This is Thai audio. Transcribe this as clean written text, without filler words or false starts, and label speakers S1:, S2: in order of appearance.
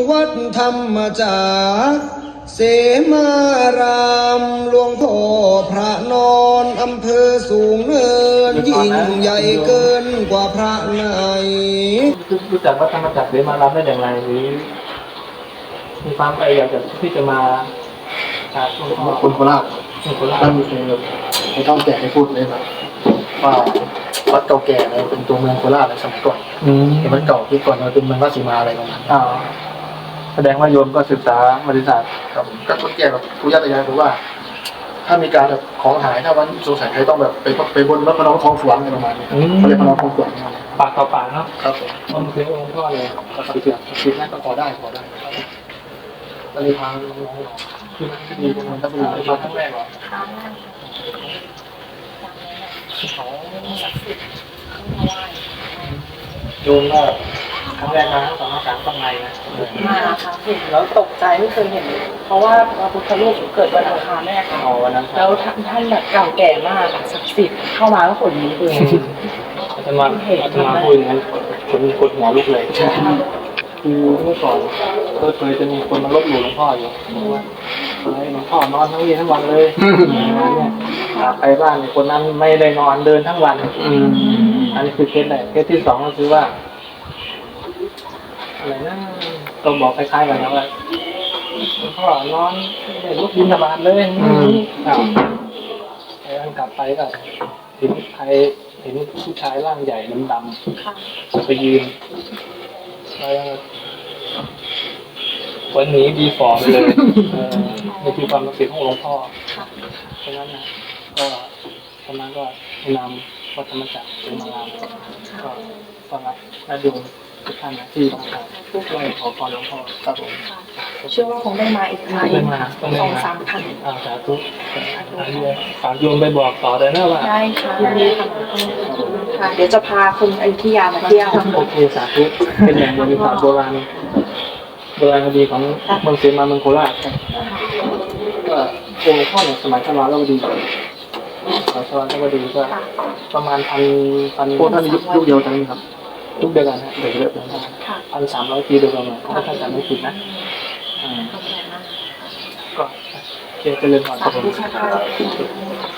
S1: วัดธรรมจากรเสมารามหลวงพ่อพระนอนอำเภอสูงเนินยิ่งใหญ่เกินกว่าพระไหน
S2: รู้จักวัดธรรมจักรเสมารามได้อย่างไรหรือมีความพยายามที่จะมา
S3: คนโคราชท่านไม่ต้องแก่ให้พูดเลยแบบว่าวัดเก่าแก่เลยเป็นตัวเมืองโคราชในสมัยก่อนเป็นวัดเก่าที่ก่อนเราเป็นเมืองราชสีมาอะไรประมาณนี้
S2: แสดงว่าโยมก็ศึกษาบริษัท
S3: ครับก็คนแก่แบบผู้ย่าตายายบอกว่าถ้ามีการแบบของหายถ้าวันสงสัยใครต้องแบบไปบนวัดพระนองคลองสวนอะไรประมาณนี้เขาเรียกพระนองคลองสวน
S2: ปากต่อปากเนาะ
S3: ครับ
S2: มันคือองค์พ่อเลย
S3: ก็คิดนั่นก็พอได้ก็เลยพาน้องๆคือมีคนนั้นก็เป็น
S2: มาครั้งแรกเหรอโยมก็ครั้งแรกนะตอนนั้นข้างในนะ
S4: มาค่ะเห็นแล้วตกใจไม่เคยเห็นเพราะว่าพระพุทธรูปเกิดวันอังคารแม่ค่ะแล้วท่านแบบเก่าแก่มากศักดิ์สิทธิ์เข้ามาแล้วขนลุกเลย
S2: อาตมาพูดอย่างนั้นคนกดหัวลุกเลยคือเมื่อก่อนเคยจะมีคนมาลบหลู่หลวงพ่ออยู่ว่าหลวงพ่อนอนทั้งวี่ทั้งวันเลยเนี่ยไปบ้านคนนั้นไม่ได้นอนเดินทั้งวันอันนี้คือเคสแรกเคสที่สองก็คือว่าอะไรนะต้องบอกคล้ายๆกันนะว่าหลวงพ่อนอนไม่ลุกบิณฑบาตเลยไอ้อันกลับไปก็เห็นผู้ชายร่างใหญ่ดำๆไปยืนวันนี้ดีฟอร์มเลยนี่คือความรู้สึกของหลวงพ่อเพราะนั้นนะก็ประมาณก็นำวัดธรรมจักรเสมารามก็ต้อนรับและดูทุกท่านที่ต้องการไหว้ขอพรหลวงพ่อครับผม
S4: เชื่อว่าคงได้มาอีก2-3 พัน
S2: สาธุฝากโยมไปบอกต่อเลยนะว่า
S4: ได้ค่ะค่ะเดี๋ยวจะพาคุณอยุธยามาเที่ยว
S2: โอเคสาธุเป็นแหล่งบริษัทโบราณคดีของเมืองเสมาเมืองโคราชก็องค์พ่อเนี่ยสมัยชวาลวดีก็ประมาณพัน
S3: พวกท่านยุคเดียวกันครับ
S2: ยุคเดียวกันฮะเด็กเยอะเลย1,300 ปีโดยประมาณถ้าจำไม่ผิดนะก็เจริญพรครับผม